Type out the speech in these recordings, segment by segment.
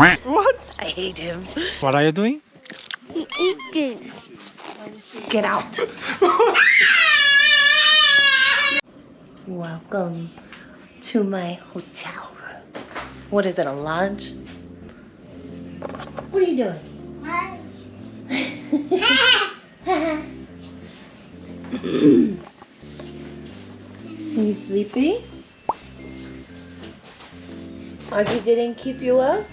What? I hate him. What are you doing? Eating. Get out. Welcome to my hotel room. What is it, a lounge? What are you doing? Are you sleepy? Augie didn't keep you up?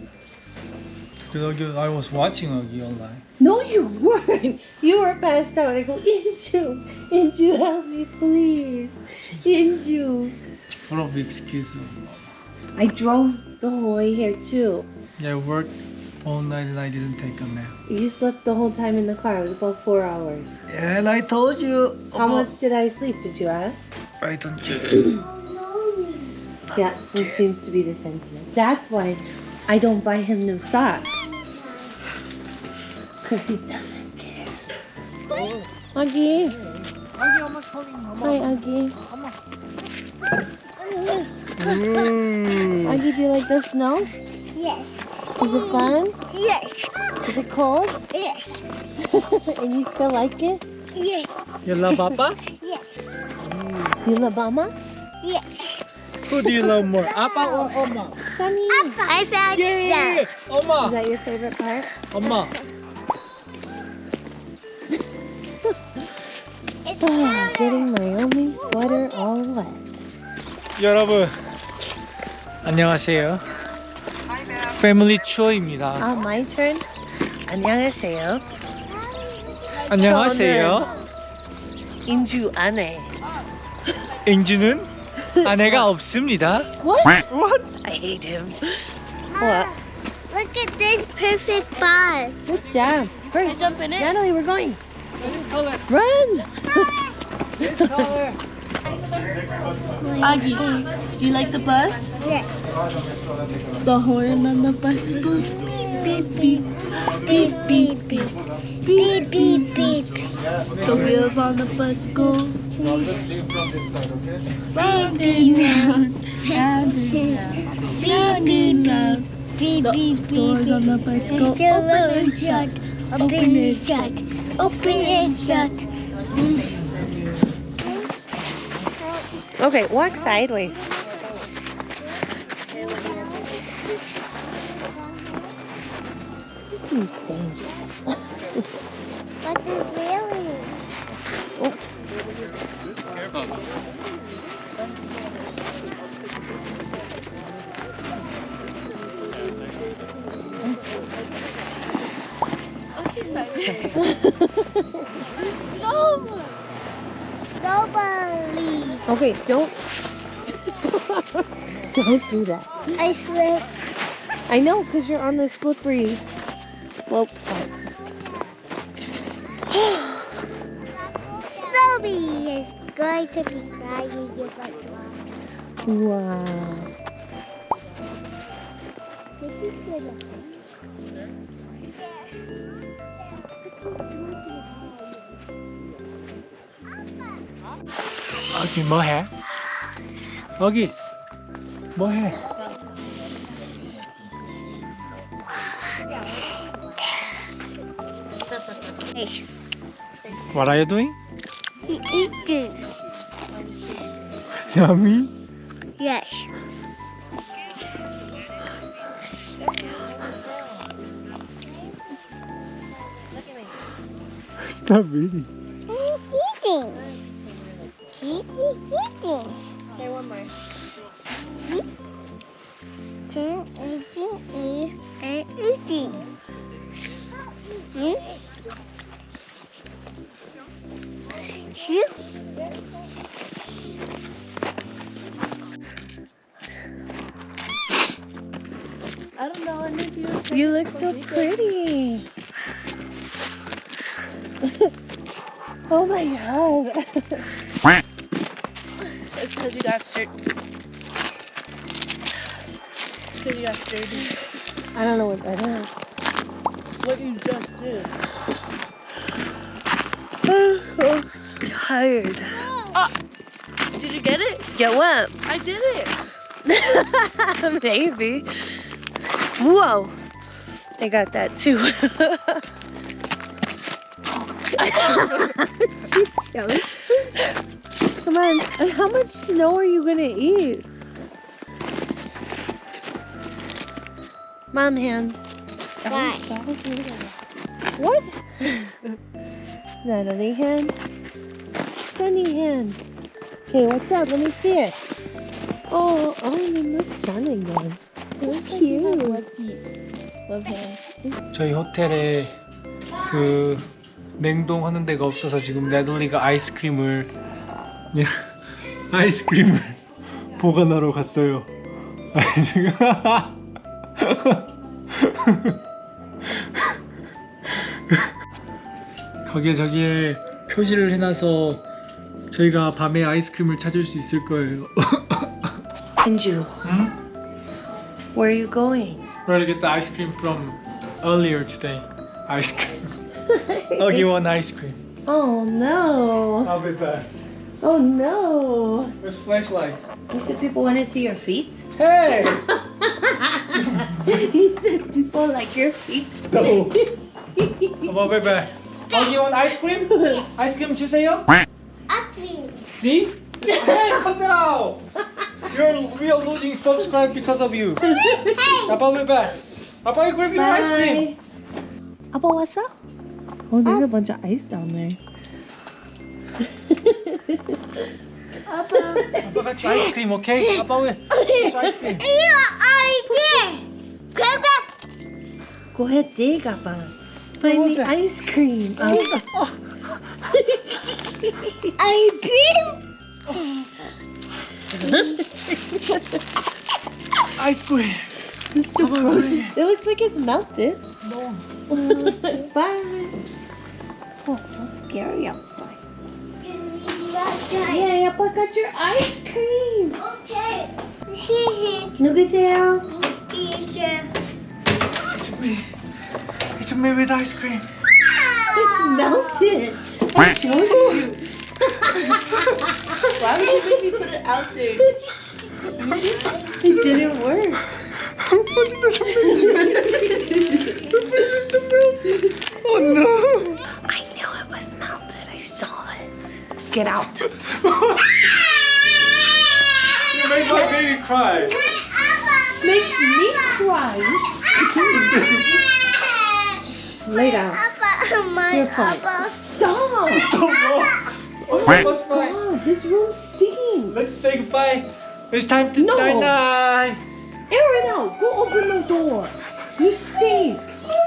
I was watching Augie online. No, you weren't. You were passed out. I go, Inju, help me, please. Inju. What a big excuse. I drove the whole way here too. Yeah, I worked all night and I didn't take a nap. You slept the whole time in the car. It was about 4 hours. And I told you. How much did I sleep? Did you ask? I don't care. Yeah, it seems to be the sentiment. That's why I don't buy him new socks. Because he doesn't care. Augie. Hi, Augie. Augie, do you like the snow? Yes. Is it fun? Yes. Is it cold? Yes. And you still like it? Yes. You love Papa? Yes. You love Mama? Yes. Who do you love more, Papa or Oma? Sunny. I found Yeah, Is Oma. that your favorite part? Oma. Oh, getting my only sweater all wet. 여러분, 안녕하세요. 패밀리 추어입니다. My turn. 안녕하세요. 안녕하세요. 인주 아내. 인주는 아내가 없습니다. What? What? I hate him. What? Look at this perfect ball. Good job. Can I jump in it? Natalie, we're going. This color. Run! This color. Augie, do you like the bus? Yes. The horn on the bus goes beep, beep, beep, beep, beep, Beep, beep, beep. The wheels on the bus go Now let's leave from this side, okay? round and round, round and round, round and round. Beep, The beep, beep. doors on the bus go It's a open and road shut, shut. open and shut, Open and shut. Okay, walk sideways. This seems dangerous. But it's really. Nobody. Okay, don't do that. I slip. I know, because you're on the slippery slope part. Snowbee is going to be crying if I go. Wow. This is good. 아기 뭐해? 아기 뭐해? What are you doing? Eating. Yummy. Yes. Stop eating. Eating. Keep eating. Okay, one more. Eating and eating. I don't know any of you. You look so pretty. Oh my god. It's because you got straight. Because you got straight. I don't know what that is. What you just did. I'm tired. Did you get it? Get what? I did it. Maybe. Whoa! I got that too. Too chunk. Come on, how much snow are you gonna eat? Mom hand. Why? What? Natalie hand. Sunny hand. Okay, watch out. Let me see it. Oh, I'm in the sun again. So cute. Love hands. 저희 호텔에 그 냉동하는 데가 없어서 지금 네들리가 아이스크림을 보관하러 갔어요. 저기에 표시를 해놔서 저희가 밤에 아이스크림을 찾을 수 있을 거예요. Anju, 응? where are you going? We're gonna get the ice cream from earlier today. Ice cream. I'll give one ice cream. Oh no. I'll be back. Oh no. Where's flashlight? You said people want to see your feet? Hey! He said people like your feet. No. I'll be back. I'll give one ice cream. Ice cream 주세요. Uppy. See? Hey, cut that out. We are losing subscribe because of you. I'll be back. I'll grab your ice cream. 아빠 왔어? Oh, there's a bunch of ice down there. 아빠 같이 ice cream, okay? 아빠 왜? ice cream. Go ahead, dig, Appa. Find the ice cream. I dream. Ice cream. This is still frozen. It looks like it's melted. No. Bye. Oh, it's so scary outside. Yay, Appa got your ice cream. Okay. 누구세요? It's me with ice cream. It's melted. I showed you. Why would you make me put it out there? It didn't work. Oh no! I knew it was melted. I saw it. Get out. You made my baby cry. Make me cry. Lay down. You're fine. Stop. Oh, my what's fine? God, this room's stinking. Let's say goodbye. It's time to No. night night. Air it out. Go open the door. You stink.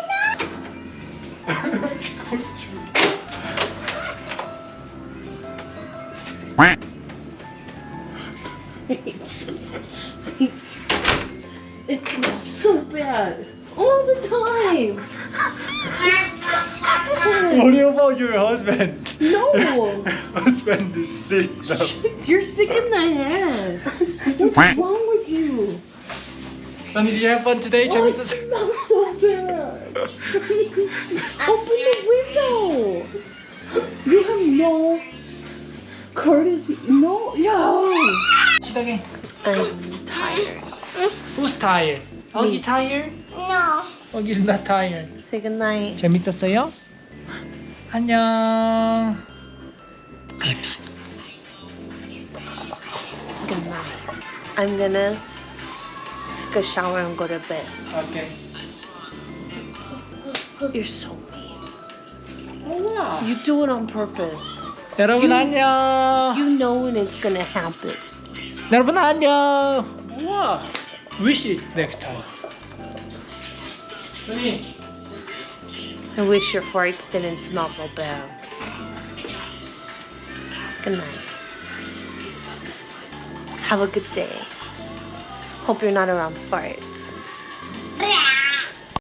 It smells so bad all the time. What about your husband? No, Husband is sick now. you're sick in the head. What's wrong with you? Sunny, did you have fun today? Oh, it 재밌었어? smells so bad. Open the window. You have no courtesy. No, yo. 시작해. I'm tired. Who's tired? Oggy tired? No. Oggy's not tired. Say goodnight. 재밌었어요? 안녕. Good night. I'm gonna take a shower and go to bed. Okay. You're so mean. Oh, wow. You do it on purpose. 여러분 안녕. You know when it's gonna happen. 여러분 안녕. Wow. Wish it next time. Sunny. I wish your farts didn't smell so bad. Good night. Have a good day. Hope you're not around farts.